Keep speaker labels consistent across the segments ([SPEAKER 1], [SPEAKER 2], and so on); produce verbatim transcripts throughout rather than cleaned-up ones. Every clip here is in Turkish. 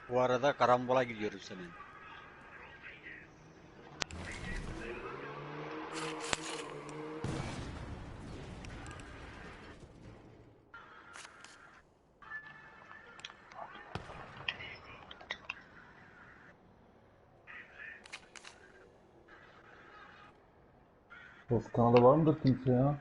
[SPEAKER 1] Bu arada karambola gidiyoruz senin.
[SPEAKER 2] Toskana'da var mıdır kimse ya?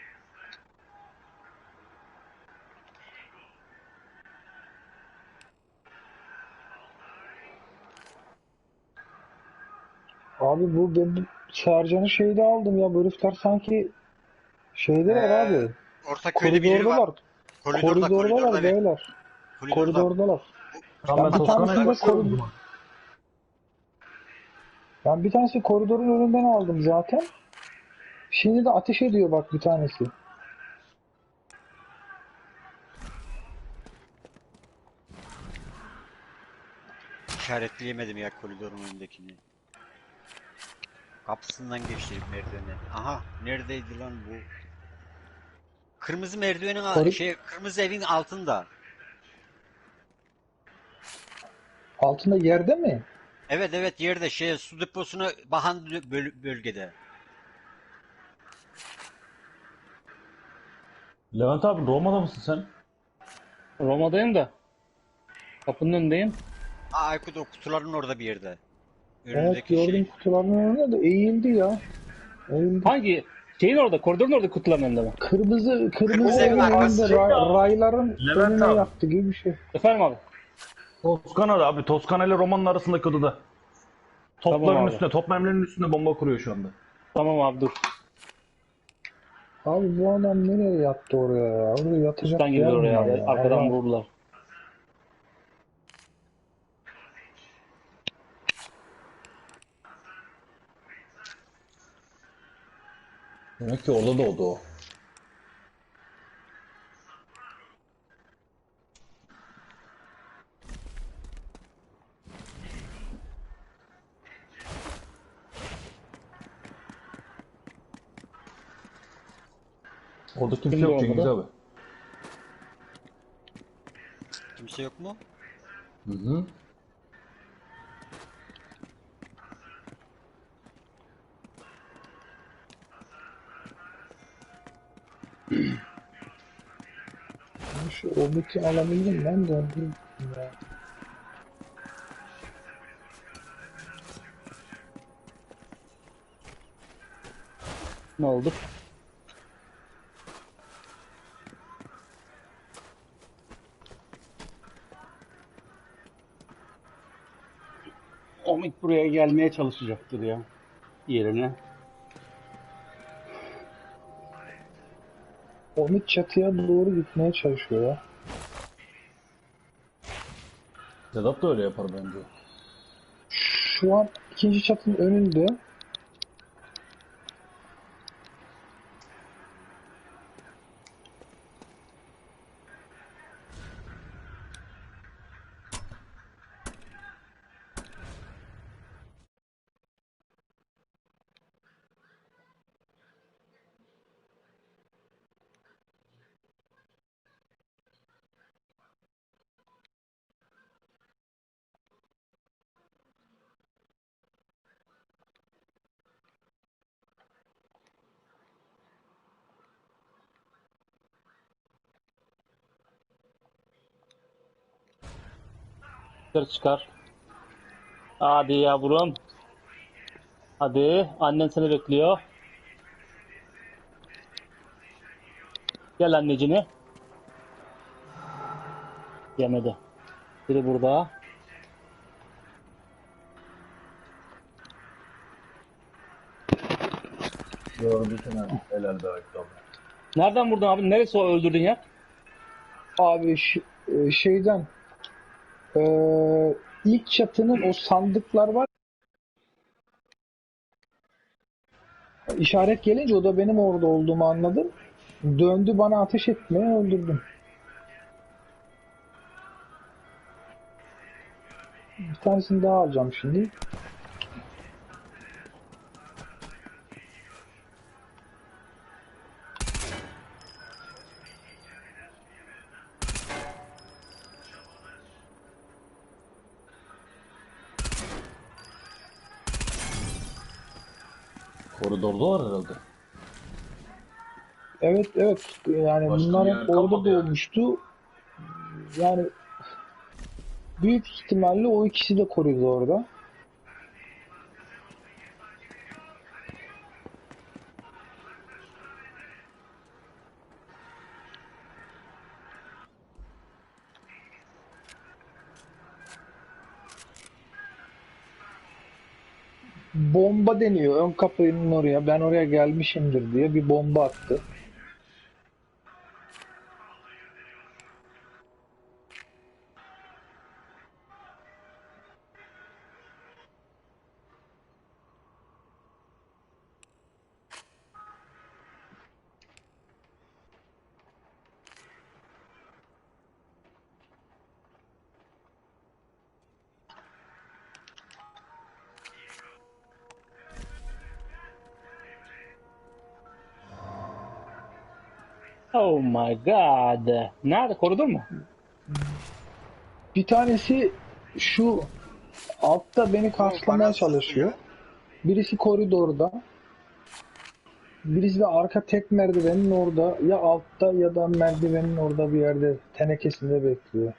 [SPEAKER 3] Abi bu ben bu Sercan'ı şeyde aldım ya. Bu herifler sanki şeydeler
[SPEAKER 1] Ee,
[SPEAKER 3] abi.
[SPEAKER 1] orta köyde birileri var.
[SPEAKER 3] Koridordalar.
[SPEAKER 1] Koridorda koridorda
[SPEAKER 3] Koridordalar
[SPEAKER 1] bir.
[SPEAKER 3] beyler.
[SPEAKER 1] Koridorda.
[SPEAKER 3] Koridordalar.
[SPEAKER 1] Bu,
[SPEAKER 2] Tamam, ben
[SPEAKER 3] Ben bir
[SPEAKER 2] Toskana'ya
[SPEAKER 3] tanesini de
[SPEAKER 2] bakıyorum o
[SPEAKER 3] koridor
[SPEAKER 2] zaman.
[SPEAKER 3] ben bir tanesi koridorun önünden aldım zaten. Şimdi de ateş ediyor bak bir tanesi.
[SPEAKER 1] işaretleyemedim ya koridorun önündekini. Kapısından geçti merdivenden. Aha neredeydi lan bu? Kırmızı merdivenin a-
[SPEAKER 3] Kori
[SPEAKER 1] şey kırmızı evin altında.
[SPEAKER 3] altında yerde mi?
[SPEAKER 1] Evet evet yerde şey su deposuna bakan böl- bölgede.
[SPEAKER 2] Levent abi, Roma'da mısın sen?
[SPEAKER 4] Roma'dayım da. Kapının önündeyim.
[SPEAKER 1] Aa, Aykut o kutuların orada bir yerde.
[SPEAKER 3] Evet
[SPEAKER 1] Önündeki
[SPEAKER 3] gördüm
[SPEAKER 1] şey.
[SPEAKER 3] kutuların önünde de eğildi ya. Eğildi.
[SPEAKER 4] Hangi? Şeyin orada, koridorun orada kutuların önünde mi?
[SPEAKER 3] Kırmızı kırmızı
[SPEAKER 1] Kırmızı evin
[SPEAKER 3] evin önünde
[SPEAKER 1] arkası.
[SPEAKER 3] ray- rayların
[SPEAKER 2] Levent
[SPEAKER 3] önüne
[SPEAKER 2] abi.
[SPEAKER 3] yattı gibi bir şey.
[SPEAKER 4] Efendim abi.
[SPEAKER 2] Toskana'da abi. Toskana ile Roma'nın arasındaki odada.
[SPEAKER 4] Tamam
[SPEAKER 2] Topların
[SPEAKER 4] abi.
[SPEAKER 2] üstüne, top mermilerinin üstüne bomba kuruyor şu anda.
[SPEAKER 4] Tamam abi dur.
[SPEAKER 3] Abi bu adam nereye yattı oraya ya? Orada
[SPEAKER 4] Üstten
[SPEAKER 3] yatacak yer
[SPEAKER 4] girdi
[SPEAKER 3] mi
[SPEAKER 4] oraya
[SPEAKER 3] var
[SPEAKER 4] abi.
[SPEAKER 3] ya?
[SPEAKER 4] Arkadan
[SPEAKER 3] Allah.
[SPEAKER 4] vurdular.
[SPEAKER 2] Demek ki orada doğdu o. Orada kimse
[SPEAKER 4] Kimdi
[SPEAKER 2] yok Cengiz
[SPEAKER 4] orada?
[SPEAKER 2] abi.
[SPEAKER 1] Kimse yok mu?
[SPEAKER 2] Hı hı.
[SPEAKER 3] Şu omiti alabildim ben de. Dur ya.
[SPEAKER 4] Ne oldu? Omid buraya gelmeye çalışacaktır ya. Yerine.
[SPEAKER 3] Omit çatıya doğru gitmeye çalışıyor ya.
[SPEAKER 2] Sedat da öyle yapar bence.
[SPEAKER 3] Şu an ikinci çatının önünde.
[SPEAKER 4] Dışarı çıkar. Hadi yavrum. Hadi. Annen seni bekliyor. Gel annecini. Yemedi. Biri burada.
[SPEAKER 2] Gördü seni. Helal be Aykut abi.
[SPEAKER 4] Nereden vurdun abi? Neresi o öldürdün ya?
[SPEAKER 3] Abi ş- e, şeyden eee, ilk çatının o sandıklar var. İşaret gelince o da benim orada olduğumu anladım. Döndü bana ateş etmeye öldürdüm. Bir tanesini daha alacağım şimdi.
[SPEAKER 2] Koridorda var herhalde.
[SPEAKER 3] Evet evet yani
[SPEAKER 2] Başka
[SPEAKER 3] bunlar
[SPEAKER 2] bir
[SPEAKER 3] hep
[SPEAKER 2] yer
[SPEAKER 3] orada
[SPEAKER 2] kalmadı yani.
[SPEAKER 3] doğmuştu. Yani büyük ihtimalle o ikisi de koridorda. Bomba deniyor ön kapının oraya. Ben oraya gelmişimdir diye bir bomba attı.
[SPEAKER 4] Oh my god. Nerede? Koridor mu?
[SPEAKER 3] Bir tanesi şu altta beni
[SPEAKER 1] O bana
[SPEAKER 3] karşılamaya çalışıyor.
[SPEAKER 1] sızıyor.
[SPEAKER 3] Birisi koridorda. Birisi de arka tek merdivenin orada. Ya altta ya da merdivenin orada bir yerde tenekesinde bekliyor.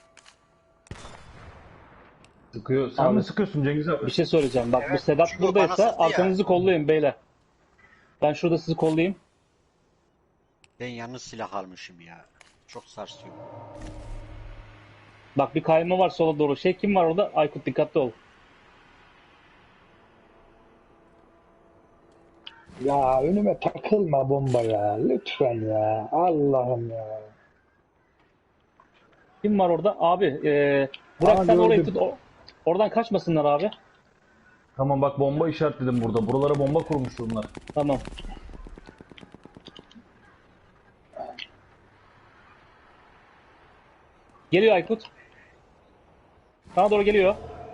[SPEAKER 2] Sıkıyor. Sen
[SPEAKER 4] Abi,
[SPEAKER 2] mi sıkıyorsun Cengiz abi?
[SPEAKER 4] bir şey söyleyeceğim. Bak bu
[SPEAKER 1] Evet,
[SPEAKER 4] Sedat
[SPEAKER 1] çünkü o bana
[SPEAKER 4] buradaysa
[SPEAKER 1] sızdı ya.
[SPEAKER 4] arkanızı kollayın beyler. Ben şurada sizi kollayayım.
[SPEAKER 1] Ben yalnız silah almışım ya. Çok sarsıyor.
[SPEAKER 4] Bak bir kayma var sola doğru. Şey kim var orada? Aykut dikkatli ol.
[SPEAKER 3] Ya önüme takılma bomba ya. Lütfen ya. Allah'ım ya.
[SPEAKER 4] Kim var orada? Abi e, Burak
[SPEAKER 3] Aa,
[SPEAKER 4] sen orayı
[SPEAKER 3] gördüm.
[SPEAKER 4] tut. O- oradan kaçmasınlar abi.
[SPEAKER 2] Tamam bak bomba işaretledim burada. Buralara bomba kurmuş bunlar.
[SPEAKER 4] Tamam. Geliyor Aykut. Sana doğru geliyor.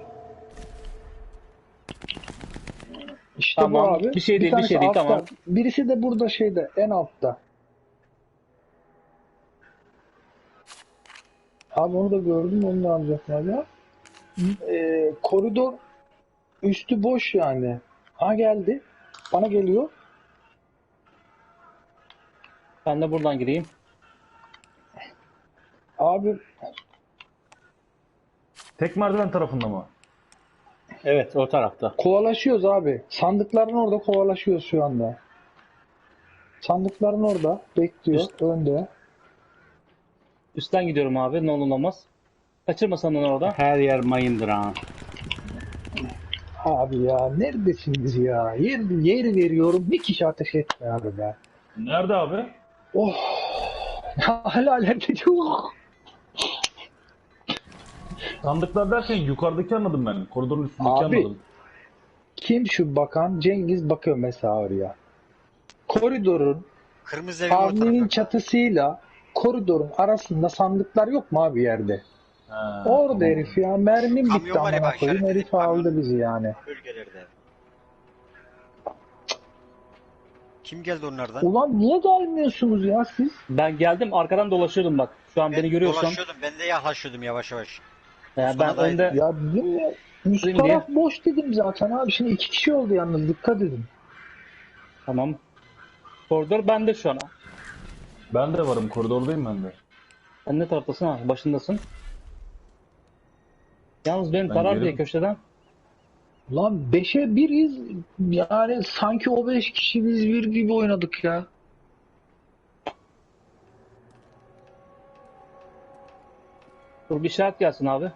[SPEAKER 3] İşte
[SPEAKER 4] Tamam,
[SPEAKER 3] bu abi.
[SPEAKER 4] bir şey değil, bir
[SPEAKER 3] tanesi
[SPEAKER 4] şey değil,
[SPEAKER 3] altta.
[SPEAKER 4] tamam.
[SPEAKER 3] Birisi de burada şeyde en altta. Abi onu da gördüm. Onu da alacaklar ya. Ee, koridor üstü boş yani. Ha geldi. Bana geliyor.
[SPEAKER 4] Ben de buradan gireyim.
[SPEAKER 3] Abi
[SPEAKER 2] Tek merdiven tarafında mı?
[SPEAKER 4] Evet o tarafta.
[SPEAKER 3] kovalaşıyoruz abi. Sandıkların orada kovalaşıyoruz şu anda. Sandıkların orada. Bekliyor.
[SPEAKER 4] Üst-
[SPEAKER 3] Önde.
[SPEAKER 4] Üstten gidiyorum abi. Ne olur ne olmaz. Kaçırma sandın orada.
[SPEAKER 5] Her yer mayındır ha.
[SPEAKER 3] Abi ya neredesiniz ya? Yer, yer veriyorum. Bir kişi ateş etmiyor abi be.
[SPEAKER 2] Nerede abi?
[SPEAKER 3] Oh. Hala alevde çok.
[SPEAKER 2] Sandıklar derken yukarıdaki anladım ben. Koridorun üstündeki
[SPEAKER 3] Abi.
[SPEAKER 2] anladım.
[SPEAKER 3] Kim şu bakan? Cengiz bakıyor mesela oraya. Koridorun
[SPEAKER 1] Kırmızı evin o
[SPEAKER 3] avlunun
[SPEAKER 1] tarafında.
[SPEAKER 3] çatısıyla koridorun arasında sandıklar yok mu abi yerde?
[SPEAKER 2] Ha,
[SPEAKER 3] Orada
[SPEAKER 2] tamam.
[SPEAKER 3] herif ya. Mermim
[SPEAKER 1] Kamyon
[SPEAKER 3] bitti
[SPEAKER 1] var ya
[SPEAKER 3] amına
[SPEAKER 1] bak,
[SPEAKER 3] koyayım.
[SPEAKER 1] işaretledik
[SPEAKER 3] Herif aldı
[SPEAKER 1] kamyon.
[SPEAKER 3] bizi yani.
[SPEAKER 1] Bölgelerde. Kim geldi onlardan?
[SPEAKER 3] Ulan niye gelmiyorsunuz ya siz?
[SPEAKER 4] Ben geldim arkadan dolaşıyordum bak. Şu an
[SPEAKER 1] Ben
[SPEAKER 4] beni görüyorsan.
[SPEAKER 1] dolaşıyordum. Ben de yaklaşıyordum yavaş yavaş.
[SPEAKER 4] Yani ben
[SPEAKER 1] Sonradaydı.
[SPEAKER 4] önde
[SPEAKER 3] Ya dedim ya. Üst
[SPEAKER 4] Değil
[SPEAKER 3] taraf boş dedim zaten abi. Şimdi iki kişi oldu yalnız. Dikkat edin.
[SPEAKER 4] tamam. Koridor bende şu an.
[SPEAKER 2] Ben de varım. Koridordayım ben de.
[SPEAKER 4] Sen ne taraftasın ha? Başındasın. Yalnız benim
[SPEAKER 2] Ben
[SPEAKER 4] tarar
[SPEAKER 2] gelirim.
[SPEAKER 4] diye köşeden.
[SPEAKER 3] Lan beşe biriz. Yani sanki o beş kişi biz bir gibi oynadık ya.
[SPEAKER 4] Dur bir işaret gelsin abi.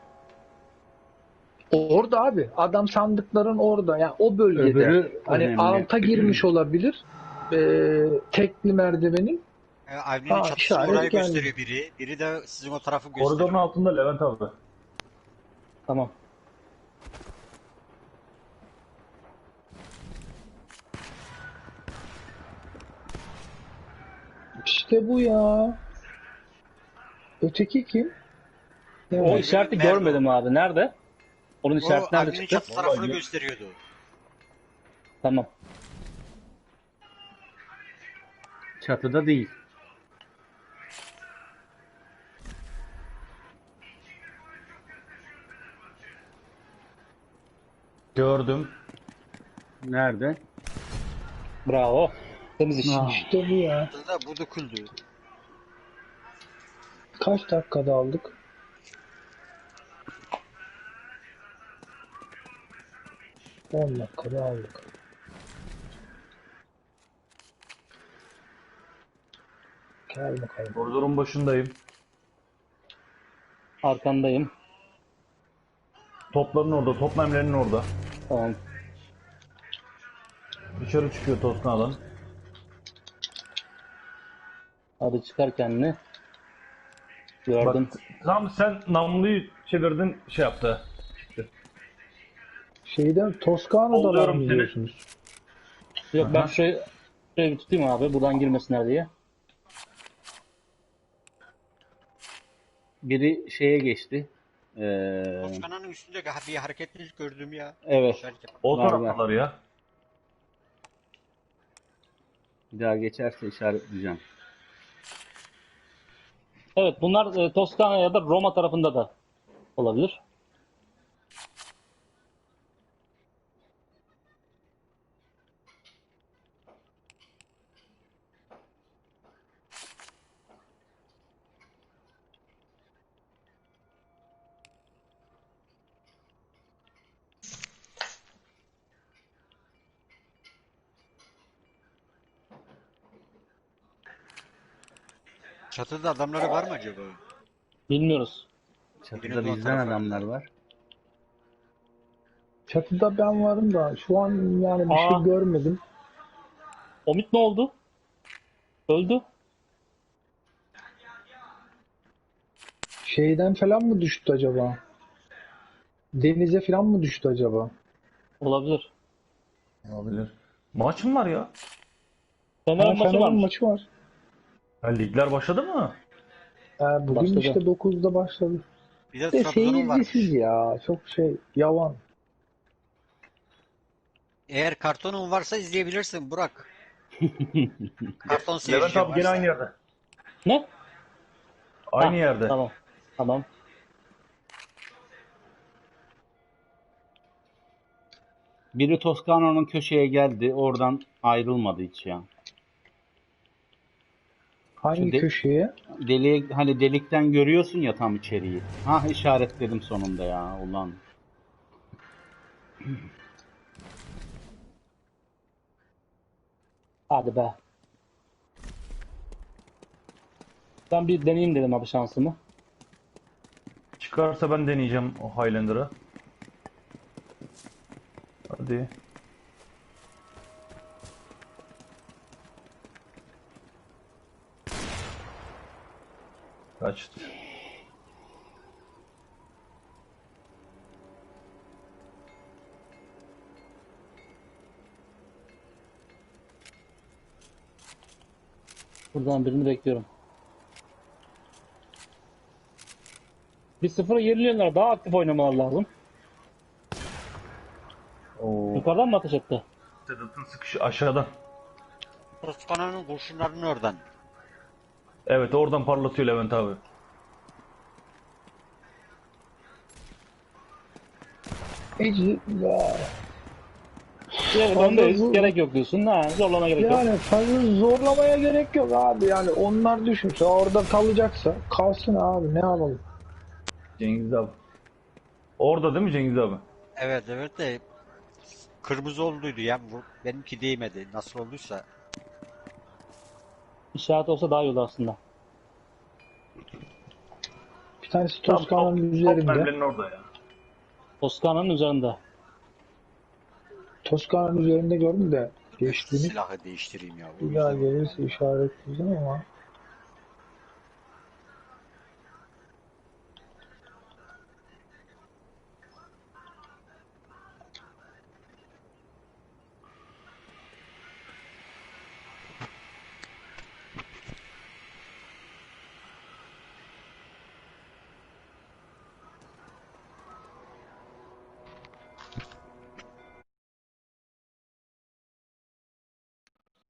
[SPEAKER 3] Orada abi. Adam sandıkların orada. Yani o bölgede.
[SPEAKER 5] Öbürü
[SPEAKER 3] Hani
[SPEAKER 5] önemli.
[SPEAKER 3] alta girmiş olabilir. Ee, tekli merdivenin.
[SPEAKER 1] E, Avni'nin
[SPEAKER 3] Ha,
[SPEAKER 1] çatısını
[SPEAKER 3] işaret
[SPEAKER 1] orayı
[SPEAKER 3] geldi.
[SPEAKER 1] gösteriyor biri. Biri de sizin o tarafı
[SPEAKER 2] Koridorun
[SPEAKER 1] gösteriyor.
[SPEAKER 2] altında Levent abi.
[SPEAKER 4] Tamam.
[SPEAKER 3] İşte bu ya. Öteki kim?
[SPEAKER 4] O
[SPEAKER 3] Evet.
[SPEAKER 4] işareti
[SPEAKER 1] Nerede
[SPEAKER 4] görmedim abi. Nerede? Onun
[SPEAKER 1] O
[SPEAKER 4] işareti nerede
[SPEAKER 1] Avni'nin
[SPEAKER 4] çıktı?
[SPEAKER 1] çatı tarafını
[SPEAKER 2] Vallahi-
[SPEAKER 1] gösteriyordu.
[SPEAKER 4] Tamam.
[SPEAKER 5] Çatıda değil.
[SPEAKER 2] Gördüm.
[SPEAKER 5] Nerede?
[SPEAKER 4] Bravo. Temiz iş.
[SPEAKER 5] Ah.
[SPEAKER 3] İşte bu ya.
[SPEAKER 1] Da bu döküldü.
[SPEAKER 3] Kaç dakikada aldık? on dakikada aldık. Gel bakalım.
[SPEAKER 2] Koridorun başındayım.
[SPEAKER 4] Arkandayım.
[SPEAKER 2] Topların orada, top memlerinin orada.
[SPEAKER 4] Tamam.
[SPEAKER 2] Dışarı çıkıyor Toskana'dan.
[SPEAKER 4] Hadi çıkar kendini. Gördüm.
[SPEAKER 2] Bak, tam sen namluyu çevirdin, şey yaptı. Çıktı.
[SPEAKER 3] Şeyden Toskana'da var
[SPEAKER 2] Oluyorum
[SPEAKER 3] mı
[SPEAKER 2] seni.
[SPEAKER 3] diyorsunuz?
[SPEAKER 4] Yok ben
[SPEAKER 2] Aha.
[SPEAKER 4] şurayı, şurayı bir tutayım abi. Buradan girmesinler diye.
[SPEAKER 5] Biri şeye geçti. Ee,
[SPEAKER 1] Toskana'nın üstünde bir hareketlilik gördüm ya.
[SPEAKER 5] evet.
[SPEAKER 1] İşaret yap-
[SPEAKER 2] O
[SPEAKER 5] Var,
[SPEAKER 2] taraftalar ya.
[SPEAKER 5] Bir daha geçerse işaretleyeceğim.
[SPEAKER 4] Evet bunlar e, Toskana ya da Roma tarafında da olabilir.
[SPEAKER 1] Çatıda adamları var mı acaba?
[SPEAKER 4] Bilmiyoruz.
[SPEAKER 5] Çatıda
[SPEAKER 1] Birinin o
[SPEAKER 5] bizden
[SPEAKER 1] tarafa.
[SPEAKER 5] adamlar var.
[SPEAKER 3] Çatıda ben varım da şu an yani bir
[SPEAKER 4] Aa.
[SPEAKER 3] şey görmedim.
[SPEAKER 4] Omid ne oldu? Öldü.
[SPEAKER 3] Şeyden falan mı düştü acaba? Denize falan mı düştü acaba?
[SPEAKER 4] Olabilir.
[SPEAKER 2] Olabilir. Maç mı var ya?
[SPEAKER 4] Fener'in
[SPEAKER 3] Ha,
[SPEAKER 4] maçı
[SPEAKER 3] Fener'in
[SPEAKER 4] varmış.
[SPEAKER 3] maçı var.
[SPEAKER 2] Ha, ligler başladı mı?
[SPEAKER 3] Ee, bugün
[SPEAKER 4] Başladı.
[SPEAKER 3] işte dokuzda başladı.
[SPEAKER 1] Bir de
[SPEAKER 3] De
[SPEAKER 1] Trabzon'un varmış.
[SPEAKER 3] seyircisiz ya. Çok şey yavan.
[SPEAKER 1] Eğer kartonun varsa izleyebilirsin Burak. Karton
[SPEAKER 2] Levent
[SPEAKER 1] seyirci
[SPEAKER 2] abi gene
[SPEAKER 1] varsa.
[SPEAKER 2] aynı yerde.
[SPEAKER 4] Ne?
[SPEAKER 2] Aynı
[SPEAKER 4] Ha,
[SPEAKER 2] yerde.
[SPEAKER 4] Tamam. Tamam.
[SPEAKER 5] Biri Toskana'nın köşeye geldi. Oradan ayrılmadı hiç ya.
[SPEAKER 3] Hangi
[SPEAKER 5] Şu de-
[SPEAKER 3] köşeye?
[SPEAKER 5] Deliğe, hani delikten görüyorsun ya tam içeriği. Ha işaretledim sonunda ya ulan.
[SPEAKER 4] Hadi be. Ben bir deneyeyim dedim abi şansımı.
[SPEAKER 2] Çıkarsa ben deneyeceğim o Highlander'ı. Hadi. Kaçtı.
[SPEAKER 4] Buradan birini bekliyorum. Bir sıfıra yeniliyorlar. Daha aktif oynamalar lazım.
[SPEAKER 2] Oo.
[SPEAKER 4] Yukarıdan mı ateş etti?
[SPEAKER 2] Sedat'ın sıkışı aşağıdan.
[SPEAKER 1] Toskana'nın kurşunlarının oradan.
[SPEAKER 2] Evet oradan parlatıyor Levent abi.
[SPEAKER 3] Ece, ya,
[SPEAKER 4] Evet,
[SPEAKER 3] Fazla
[SPEAKER 4] öndeyiz.
[SPEAKER 3] zor-
[SPEAKER 4] Gerek yok diyorsun. Ha, zorlama gerek yok.
[SPEAKER 3] yani fazla zorlamaya gerek yok abi. Yani onlar düşünse orada kalacaksa kalsın abi. Ne yapalım?
[SPEAKER 2] Cengiz abi. Orada değil mi Cengiz abi?
[SPEAKER 1] Evet evet de kırmızı olduydu ya. Bu- Benimki değmedi. Nasıl olduysa.
[SPEAKER 4] İşaret olsa daha iyi olur aslında.
[SPEAKER 3] Bir tanesi
[SPEAKER 2] Tam
[SPEAKER 3] Toskana'nın
[SPEAKER 2] top- Top
[SPEAKER 3] üzerinde.
[SPEAKER 2] memlerinin orada ya.
[SPEAKER 4] Toskana'nın üzerinde.
[SPEAKER 3] Toskana'nın üzerinde gördüm de
[SPEAKER 1] Dur,
[SPEAKER 3] geçtiğini.
[SPEAKER 1] silahı değiştireyim ya. O
[SPEAKER 3] Bir daha
[SPEAKER 1] yüzden-
[SPEAKER 3] gelirse işaretleyeceğim ama